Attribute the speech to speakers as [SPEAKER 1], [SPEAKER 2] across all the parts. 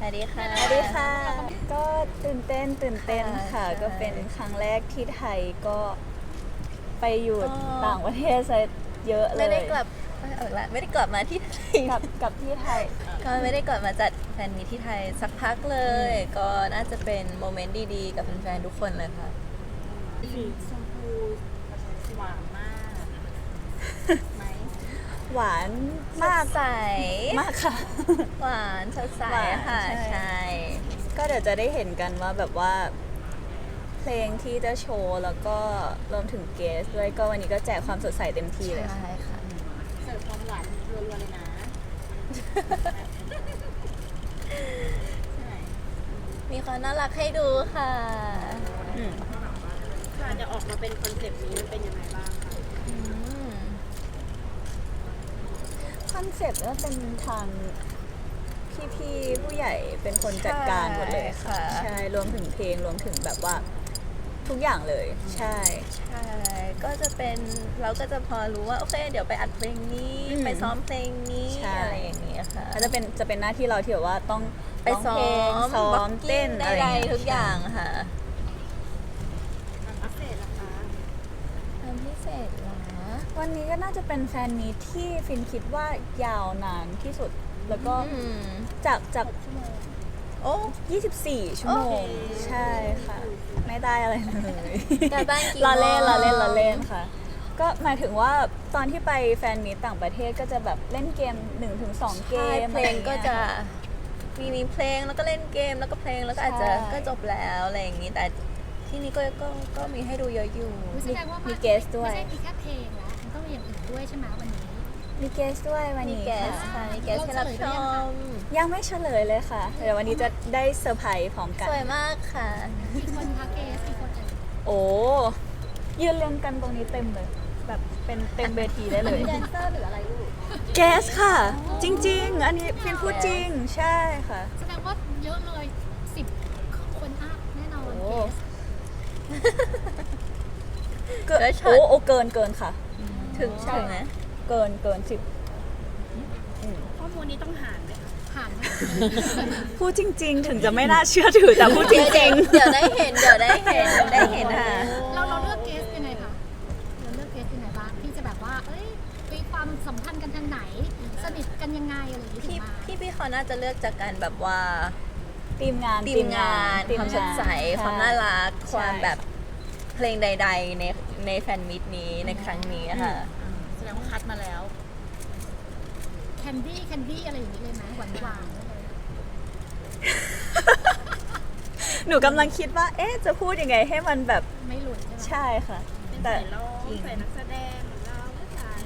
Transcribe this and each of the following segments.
[SPEAKER 1] วัสดีค่ะ
[SPEAKER 2] สวัสดีค่ะ ก็ตื่นเต้นค่ะ ก็เป็นครั้งแรกที่ไทยก็ไปอยู่ต่างประเทศซะเยอะเลย
[SPEAKER 1] ไม่ได้กลับไม่ได้กลับมาที่ไทย
[SPEAKER 2] กับที่ไทย
[SPEAKER 1] ก็ไม่ได้กลับมาจัดแฟนมีตที่ไทยสักพักเลย ก็น่าจะเป็นโมเมนต์ดีๆ กับแฟนๆทุกคนเลยค่ะ
[SPEAKER 3] สีชมพูหวานมากไหม
[SPEAKER 2] หวาน
[SPEAKER 1] มากใส
[SPEAKER 2] มากค่ะ
[SPEAKER 1] หวานสดใส
[SPEAKER 2] หวาน
[SPEAKER 1] ค่ะ
[SPEAKER 2] ใช่
[SPEAKER 1] ใช่
[SPEAKER 2] ก็เดี๋ยวจะได้เห็นกันว่าแบบว่า เพลงที่จะโชว์แล้วก็รวมถึงเกสด้วยก็วันนี้ก็แจกความสดใสเต็มที่เลยค่ะ
[SPEAKER 1] ใช่ค่ะ
[SPEAKER 3] เสิร์ฟความหวานรัวๆเลยนะใช่ไหม
[SPEAKER 1] มีความน่ารักให้ดูค่ะ
[SPEAKER 2] อืม
[SPEAKER 3] การจะออกมาเป็นคอนเซปต์นี้มันเป็นยังไงบ้างคะ
[SPEAKER 1] อืม
[SPEAKER 2] คอนเซ็ปต์ก็เป็นทางพี่ๆผู้ใหญ่เป็นคนจัดการหมดเลยค่ะ ใช่รวมถึงเพลงรวมถึงแบบว่าทุกอย่างเลย ใช่
[SPEAKER 1] ใช่ ก็จะเป็นเราก็จะพอรู้ว่าโอเคเดี๋ยวไปอัดเพลงนี้
[SPEAKER 2] อืม
[SPEAKER 1] ไปซ้อมเพลงนี้
[SPEAKER 2] ใช่
[SPEAKER 1] อะไรอย่างเงี้ยค่ะ
[SPEAKER 2] ก็จะเป็นหน้าที่เราที่แบบว่าต้อง
[SPEAKER 1] ไปซ้อ
[SPEAKER 2] ร้งเพลง
[SPEAKER 1] ม
[SPEAKER 2] ซ้อมเต้น
[SPEAKER 1] ใด
[SPEAKER 2] อะไรอย่างเงี้ย
[SPEAKER 1] ๆทุกอย่างค่ะ
[SPEAKER 3] อัปเดตนะคะ
[SPEAKER 1] ทำพิเศษเหรอ
[SPEAKER 2] วันนี้ก็น่าจะเป็นแฟนมีตที่ฟินคิดว่ายาวนานที่สุด แล้วก็
[SPEAKER 1] อืม
[SPEAKER 2] จาก
[SPEAKER 3] ชั่วโมง
[SPEAKER 1] โอ้
[SPEAKER 2] 24 ชั่วโมง ใช่ค่ะ ไม่ได้อะไรเลย
[SPEAKER 1] การบ้านกี่
[SPEAKER 2] เราเล่น
[SPEAKER 1] โมง
[SPEAKER 2] เราเล่นค่ะ ก็หมายถึงว่าตอนที่ไปแฟนมีตต่างประเทศก็จะแบบเล่นเกม 1-2 เก
[SPEAKER 1] ใช่
[SPEAKER 2] ม
[SPEAKER 1] เพลงก็จะมีเพลงแล้วก็เล่นเกมแล้วก็เพลงแล้วก็อาจจะ
[SPEAKER 2] ใช่
[SPEAKER 1] ก็จบแล้วอะไรอย่างงี้แต่ที่นี่ก็มีให้ดูเยอะอยู่
[SPEAKER 4] แสดงว่า
[SPEAKER 2] มีเกสด้วย
[SPEAKER 4] ไม่ใช่มีแค่เพลงแล้วมันต้องมีอย่างอื่นด้วยใช่ไหมวันนี้
[SPEAKER 2] มีเกสด้วยวัน
[SPEAKER 1] มี
[SPEAKER 2] นี้
[SPEAKER 1] แกส
[SPEAKER 2] ค่ะ
[SPEAKER 1] ค่ะมีแกสให้รับชม
[SPEAKER 2] ยังไม่เฉลยเลยค่ะ เดี๋ยววันนี้จะได้เซอร์ไพรส์พร้อมกัน
[SPEAKER 1] สวยมากค่ะ
[SPEAKER 4] กี่คนคะเกสกี่คนเอ่ย
[SPEAKER 2] โอ้ยืนเรียงกันตรงนี้เต็มเลย แบบเป็นเต็มเวทีได้เลย
[SPEAKER 3] แดนเซอร์หรืออะไรลูก
[SPEAKER 2] เกสค่ะ จริง ๆ อันนี้ฟินพูดจริง ใช่ค่ะ
[SPEAKER 4] แสดงว่าเยอะเลย10 คนอัพแน่นอน
[SPEAKER 2] โอ้
[SPEAKER 4] เกส
[SPEAKER 2] เกิน
[SPEAKER 1] แล้วช็อต
[SPEAKER 2] โอ้เกินค่ะ
[SPEAKER 1] ถึงไหม
[SPEAKER 2] เกิน10
[SPEAKER 3] ข้อมูลนี้ต้องหารไหมคะ
[SPEAKER 4] ผ่านไหม
[SPEAKER 2] พูดจริง ๆ ถึงจะไม่น่าเชื่อถือแต่พูดจริง
[SPEAKER 1] เดี๋ยวได้เห็นค่ะ
[SPEAKER 4] เราเลือกเกสยังไงคะเราเลือกเกสยังไงบ้างที่จะแบบว่าเอ้ยมีความสัมพันธ์กันทางไหน สนิทกันยังไงอะไรอย่างนี้ถึงมา
[SPEAKER 1] พี่เขาน่าจะเลือกจากการแบบว่า
[SPEAKER 2] ๆทีมงาน
[SPEAKER 1] ทีมงานความสดใสความน่ารักความแบบเพลงใด ๆ ในแฟนมิตนี้ในครั้งนี้ค่ะ
[SPEAKER 3] แสดงว่าคัดมาแล้ว
[SPEAKER 4] แคนดี้อะไรอย่างนี้เลยไหมหวานๆเลย
[SPEAKER 2] หนูกำลังคิดว่า เอ๊ะ จะพูดยังไงให้มันแบบ
[SPEAKER 4] ไม่หลุดใช่ไหม
[SPEAKER 2] ใช่ค่ะ
[SPEAKER 3] เป็น
[SPEAKER 2] แต่
[SPEAKER 3] สายร้องสายนักแสดงเหมือนเราไม่สาย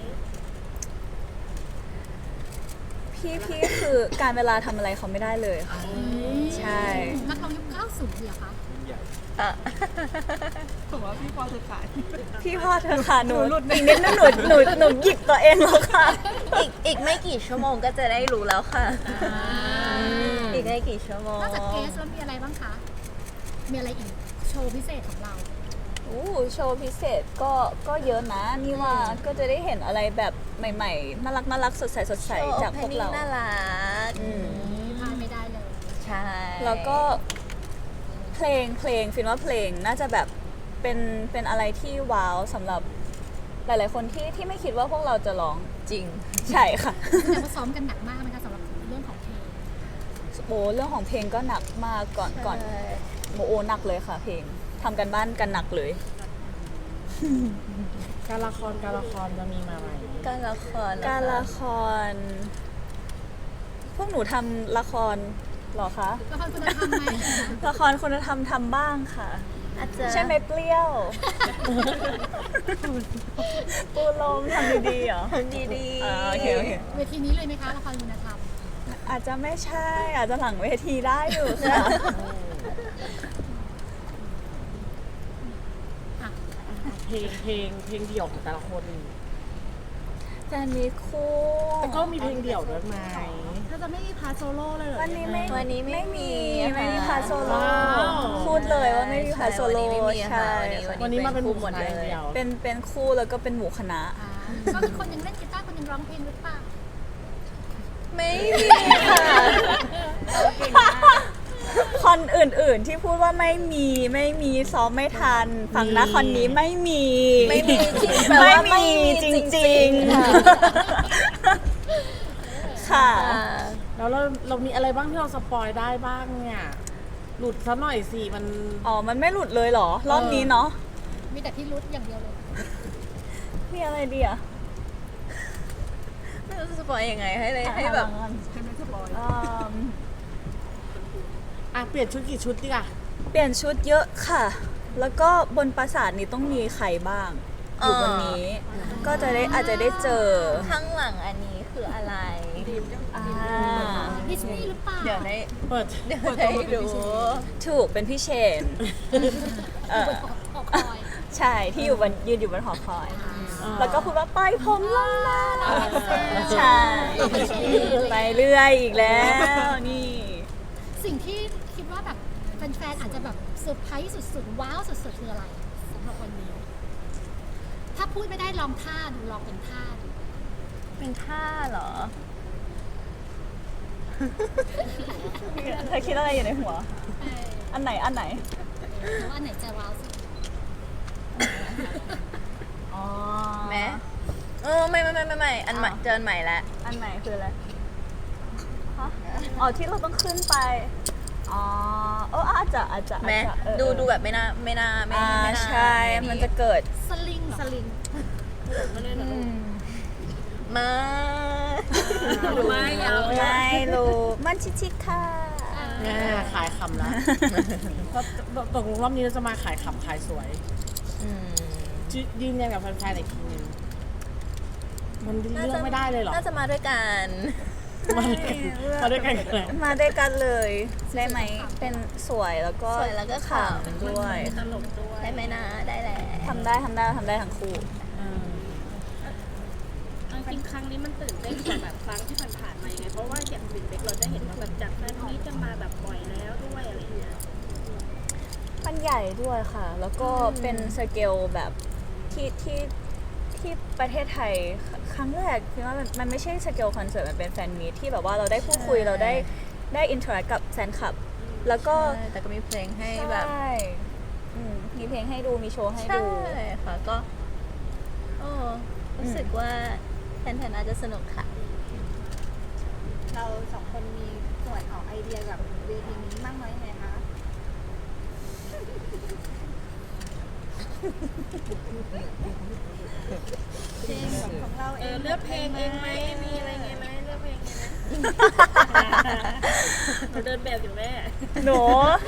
[SPEAKER 2] พี่คือการเวลาทำอะไรเขาไม่ได้เลยค่ะ ใช่
[SPEAKER 4] นักร้องยุค90เหรอคะ
[SPEAKER 1] อ่ะ
[SPEAKER 3] ผมว่าพี่พอจะขาย
[SPEAKER 2] พี่พ่อเธอค่ะหนูอีกนิดนึงหนูหยิบตัวเองแล้วค่ะ
[SPEAKER 1] อีกไม่กี่ชั่วโมงก็จะได้รู้แล้วค่ะ อีกไม่กี่ชั่วโมง
[SPEAKER 4] นอกจากเกสแล้วมีอะไรบ้างคะ มีอะไรอีก โชว์พิเศษของเรา
[SPEAKER 2] อู้โชว์พิเศษก็เยอะนะนี่ว่าก็จะได้เห็นอะไรแบบใหม่ๆน่ารักสดใสจากพวกเรา
[SPEAKER 1] น่ารัก
[SPEAKER 2] อืม
[SPEAKER 4] พลาดไม่ได้เลย
[SPEAKER 1] ใช่
[SPEAKER 2] แล้วก็เพลงฟินว่าเพลงน่าจะแบบเป็นอะไรที่ว้าวสำหรับหลายๆคนที่ไม่คิดว่าพวกเราจะร้อง
[SPEAKER 1] จริง
[SPEAKER 2] ใช่ค่ะ
[SPEAKER 4] แต่ว่าซ้อมกันหนักมากไหมคะสำหรับเรื่องของเพลง
[SPEAKER 2] โอ้เรื่องของเพลงก็หนักมากก่อนโอหนักเลยค่ะ เพลงทำกันบ้านกันหนักเลย
[SPEAKER 3] การละครจะมีมาไหม
[SPEAKER 1] การละครเหอคะ
[SPEAKER 2] การละคร พวกหนูทำละครเหรอคะ
[SPEAKER 4] ละครคุณธรรมไหม
[SPEAKER 2] ละครคุณธรรมทำบ้างค่ะ
[SPEAKER 1] อาจจะ
[SPEAKER 2] ใช่ไหมเปรี้ยว ปูลมทำดีๆเหรอ
[SPEAKER 1] ทำดี
[SPEAKER 2] โอเค
[SPEAKER 4] เวทีนี้เลยไหมคะละครคุณธรรม
[SPEAKER 2] อาจจะไม่ใช่ อาจจะหลังเวทีได้อยู่ค่ะ
[SPEAKER 4] อ่ะ
[SPEAKER 5] เพลงเดี่ยวของแต่ละคน
[SPEAKER 2] แฟนมีคู่
[SPEAKER 5] แต่ก็มีเพลงเดี่ยวด้วยไหม
[SPEAKER 3] ถ้าจะไม่มีพาร์ทโซโล่เลยเหรอ
[SPEAKER 2] วันนี้ไม่
[SPEAKER 1] วันนี้ไม่มี
[SPEAKER 2] ไม่มี
[SPEAKER 1] ค่ะ
[SPEAKER 2] พาร์ทโซโล่
[SPEAKER 5] ว้าว
[SPEAKER 2] พูดเลยว่าไม่มีพาร์ทโซโล่
[SPEAKER 1] วันนี้ไม่มี
[SPEAKER 2] ใช่
[SPEAKER 1] ค่ะ
[SPEAKER 5] วันนี้มาเป็นหมู่
[SPEAKER 1] หมด
[SPEAKER 5] คณะ
[SPEAKER 1] เลย
[SPEAKER 5] เดียว
[SPEAKER 2] เป็นคู่แล้วก็เป็นหมู่คณะ
[SPEAKER 4] อ่าก็คือคนหนึงเล่นกีตาร์คนหนึงร้องเพลงหรือเปล่า
[SPEAKER 1] ไม่มีค่ะ
[SPEAKER 3] เก่งมาก
[SPEAKER 2] อนอื่นๆที่พูดว่าไม่มีซ้อมไม่ทันฝั่งนะคอนนี้ไม่มี
[SPEAKER 1] ไม่มีที่แปลว่าไม่มีจริงๆค่ะ
[SPEAKER 2] ค่ะ
[SPEAKER 5] แล้วเรามีอะไรบ้างที่เราสปอยได้บ้างเนี่ย หลุดซะหน่อยสิมัน
[SPEAKER 2] อ๋อมันไม่หลุดเลยเหรอ รอบนี้เนาะ
[SPEAKER 4] มีแต่พี่รุดอย่างเดียวเลย
[SPEAKER 2] มีอะไรดีอะ
[SPEAKER 1] ไม่รู้จะสปอยยังไงให้แบบ
[SPEAKER 5] อ่ะเปลี่ยนชุดกี่ชุดดีอ่ะ
[SPEAKER 2] เปลี่ยนชุดเยอะค่ะ แล้วก็บนปราสาทนี้ต้องมีใครบ้าง อยู่บนนี้ ก็จะได้อาจจะได้เจอ
[SPEAKER 1] ข้างหลังอันนี้คืออะไร
[SPEAKER 2] อ่า
[SPEAKER 4] ดิสนีย์หรือเปล่า
[SPEAKER 1] เดี๋ยวได้
[SPEAKER 5] เปิด
[SPEAKER 1] ได้ดู
[SPEAKER 2] ถูกเป็นพี่เชนเออ
[SPEAKER 4] ออกคอย
[SPEAKER 2] ใช่ที่อยู่บนยืนอยู่บนหอคอย แล้วก็พูดว่าปล่อยผมลงมาใช่ไปเรื่อยอีกแล้วนี่
[SPEAKER 4] สิ่งที่คิดว่าแบบแฟนๆอาจจะแบบเซอร์ไพรส์สุดๆว้าวสุดๆคืออะไรสำหรับวันนี้ ถ้าพูดไม่ได้ลองท่าดูลองเป็นท่าดู
[SPEAKER 1] เป็นท่าเหรอ
[SPEAKER 2] เธอคิดอะไรอยู่ในหัว
[SPEAKER 4] เออ
[SPEAKER 2] อันไหน
[SPEAKER 4] แล้วอันไหนจะว้าวสุด
[SPEAKER 2] อ๋อ
[SPEAKER 1] แม้ไม่อันใหม่เจออันใหม่แล้ว
[SPEAKER 2] อันไหนคืออะไรฮะอ๋อที่เราต้องขึ้นไป อ๋ออาจจะ
[SPEAKER 1] แม้
[SPEAKER 2] เออ
[SPEAKER 1] ดูแบบไม่น่า
[SPEAKER 2] อ่า ใช่ มันจะเกิด
[SPEAKER 4] สลิงเหรอสลิง
[SPEAKER 1] มา
[SPEAKER 2] ไม่รู้มันชิคๆค่ะ
[SPEAKER 5] เนี่ยขายคำละก็ตกลงรอบนี้เราจะมาขายคำขายสวย ยืนยันกับแฟนๆอีกทีนึงมันเลือกไม่ได้เลยเหรอ
[SPEAKER 1] น่าจะมาด้วยกัน
[SPEAKER 5] มาด้วยกันเลย
[SPEAKER 2] มาด้วยกันเลยได้ไหมเป็นสวยแล้วก็
[SPEAKER 1] สวยแล้วก็ขำ
[SPEAKER 2] ด้วย
[SPEAKER 3] ตลกด้วย
[SPEAKER 1] ได้ไหมนะได้แหละ
[SPEAKER 2] ทำได้ทั้งคู่
[SPEAKER 3] จริงๆครั้งนี้มันตื่นเต้นกว่าแบบครั้งที่ผ่านๆมายังไงเพราะว่าอย่างวินเบกเราจะเห็นว่าแบบจากแฟนนี้จะมาแบบบ่อยแล้วด้วยอะไรอย่างเงี้ย
[SPEAKER 2] มันใหญ่ด้วยค่ะ แล้วก็เป็นสเกลแบบที่ประเทศไทยครั้งแรกคือว่ามันไม่ใช่สเกลคอนเสิร์ตมันเป็นแฟนมีตที่แบบว่าเราได้พูดคุยเราได้อินเทอร์แอคกับแฟนคลับ แล้วก็
[SPEAKER 1] ใช่แต่ก็มีเพลงให้แบบ
[SPEAKER 2] ใช่มีเพลงให้ดูมีโชว์ให้
[SPEAKER 1] ใช่
[SPEAKER 2] ดู
[SPEAKER 1] ค่ะก็รู้สึกว่าแฟนๆน่าจะสนุกค่ะ
[SPEAKER 3] เราสองคนมีส่วนออกไอเดียกับเวทีนี้มากน้อยยังไงคะเพลงของเราเองเลือกเพลงเองไหมมีอะไรไงไหมเลือกเพลงไงไหมเราเดินแบบอยู่แม่
[SPEAKER 2] หนู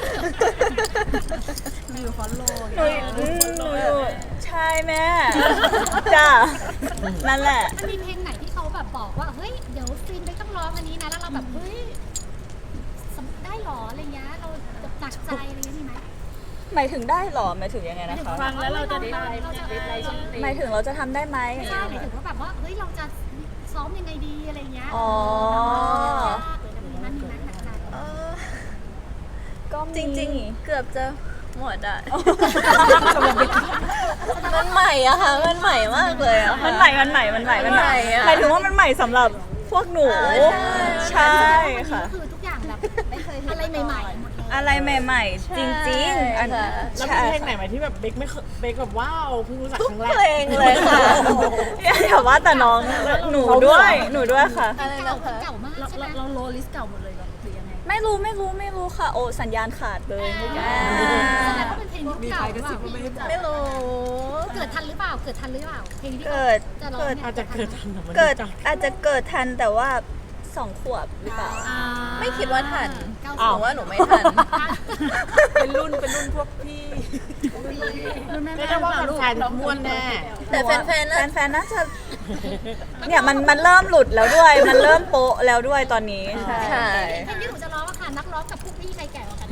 [SPEAKER 3] อยู่ฟอลโล่
[SPEAKER 2] หนูอยู่ใช่แม่จ้านั่นแหละ
[SPEAKER 4] มันมีเพลงไหนที่เขาแบบบอกว่าเฮ้ยเดี๋ยวฟินไปต้องร้องอันนี้นะแล้วเราแบบเฮ้ยได้หรออะไรเงี้ยเราแบบหนักใจอะไรเงี้ยมีไหม
[SPEAKER 2] หมายถึงได้หรอหมายถึงยังไงนะคะ
[SPEAKER 3] ฟังแล้วเราจะได้
[SPEAKER 2] หมายถึงเราจะทำได้ไหม
[SPEAKER 4] ใช่หมายถึงว่าแบบว่าเฮ้ยเราจะซ้อมยังไงดีอะไรเงี้ย
[SPEAKER 2] อ๋อ
[SPEAKER 4] ยากเลยนะมีไหมหนักใจ
[SPEAKER 2] ก็มี
[SPEAKER 1] จริงๆ เกือบจะหมดอ่ะ มันใหม่อะค่ะ มันใหม่มากเลยอะค่ะ
[SPEAKER 2] มันใหม่อะ
[SPEAKER 1] มันใหม่อะ
[SPEAKER 2] หมายถึงว่ามันใหม่สำหรับพวกหนู ใช่ค่ะ
[SPEAKER 4] คือทุกอย่างแบบไม่เคยอะไรใหม่ๆหมดเลย
[SPEAKER 2] อะไรใหม่ๆ จริงๆอัน
[SPEAKER 1] ค่ะ
[SPEAKER 5] แล้วมีเพลงไหนไหมที่แบบเบคไม่เคยเบคแบบว้าวเพิ่งรู้จักครั้งแร
[SPEAKER 1] เพล
[SPEAKER 5] ก
[SPEAKER 1] งเลยค่ะ
[SPEAKER 2] อย่าว่าแต่น้องหนูด้วยค่ะ
[SPEAKER 1] อะไร
[SPEAKER 4] เก่า
[SPEAKER 1] นะคะ
[SPEAKER 4] เก่ามากใช่ไหม
[SPEAKER 3] เราโลลิสเก่าหมดเลยหรือยังไง
[SPEAKER 2] ไม่รู้ค่ะ โอ้สัญญาณขาดเลยเมื่อกี้
[SPEAKER 4] แสดงว่าเป็นเพลงยุคเก่าหรือเปล่า
[SPEAKER 1] ไม่รู้
[SPEAKER 4] เกิดทันหรือเปล่าเพลงที่
[SPEAKER 2] เกิด
[SPEAKER 4] จะร้อง
[SPEAKER 2] เกิด
[SPEAKER 4] นี่ย
[SPEAKER 5] อาจจะเกิดทันแต่มัน
[SPEAKER 2] เกิด
[SPEAKER 5] จัง
[SPEAKER 2] อาจจะเกิดทันแต่ว่า2 ขวบหรือเปล่า
[SPEAKER 1] ไม่คิดว่าทัน
[SPEAKER 4] เก้า
[SPEAKER 1] ห
[SPEAKER 4] สิ
[SPEAKER 1] นู
[SPEAKER 4] บ
[SPEAKER 1] ว่าหนูไม่ทัน
[SPEAKER 5] เป็นรุ่นพวกพี่ไม่ได้ว่าแฟนๆม่วนแน่
[SPEAKER 1] แต่แฟนๆน่ะ
[SPEAKER 2] แฟนๆน่าจะเนี่ยมันเริ่มหลุดแล้วด้วย มันเริ่มโป๊ะแล้วด้วยตอนนี้ใช่
[SPEAKER 1] ใช่
[SPEAKER 4] เพลงที่หนูจะร้องอะค่ะนักร้องกับพวกพี่ใครแก่กว่ากัน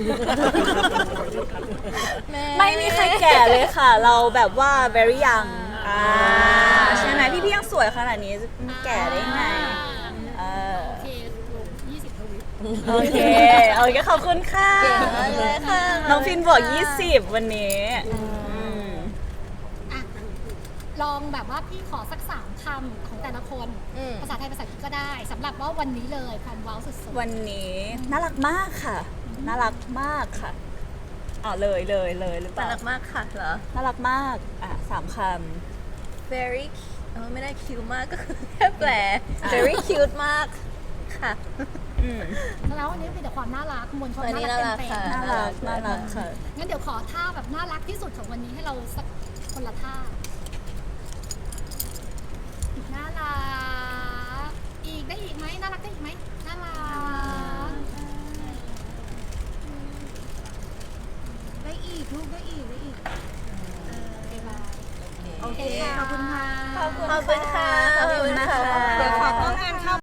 [SPEAKER 2] ไม่มีใครแก่เลยค่ะ เราแบบว่า very young ใช่ไหมพี่ๆยังสวยขนาดนี้จะแก่ได้ไงเออ
[SPEAKER 4] โอเคลง20 ทวิต
[SPEAKER 2] โอเคขอบคุณค่ะ
[SPEAKER 1] เก่งมากเลยค่ะ
[SPEAKER 2] น้องฟินบอก20วันนี้ม
[SPEAKER 4] อ่ะลองแบบว่าพี่ขอสัก3คำของแต่ละคน
[SPEAKER 1] อืม
[SPEAKER 4] ภาษาไทยภาษาอังกฤษก็ได้สำหรับว่าวันนี้เลยความว้าวสุดๆ
[SPEAKER 2] วันนี้น่ารักมากค่ะน่ารักมากค่ะเลยหรือเป
[SPEAKER 1] น่า
[SPEAKER 2] ล่า
[SPEAKER 1] รักมากค่ะเหรอ
[SPEAKER 2] น่ารักมาก3 ค
[SPEAKER 1] very ไม่ได้ cute มากก็คือแค่แปล very cute มากค่ะ
[SPEAKER 2] ำ
[SPEAKER 4] แล้ววันนี้เป็นแต่ความน่ารักมวลชน
[SPEAKER 1] วันนี้
[SPEAKER 4] น่ารักเต็ม
[SPEAKER 1] น่ารัก
[SPEAKER 2] น่ารักค่ะ
[SPEAKER 4] ๆงั้นเดี๋ยวขอท่าแบบน่ารักที่สุดของวันนี้ให้เราสักคนละท่าน่ารักอีกได้อีกไหมน่ารักได้อีกไหมน่ารักได้อีกลูกได้อีกโอเคขอบคุณค่ะ
[SPEAKER 1] ขอบคุณค่ะ
[SPEAKER 2] ขอบคุณนะคะ
[SPEAKER 1] เดี๋ยวขอกล้องแอนเข้า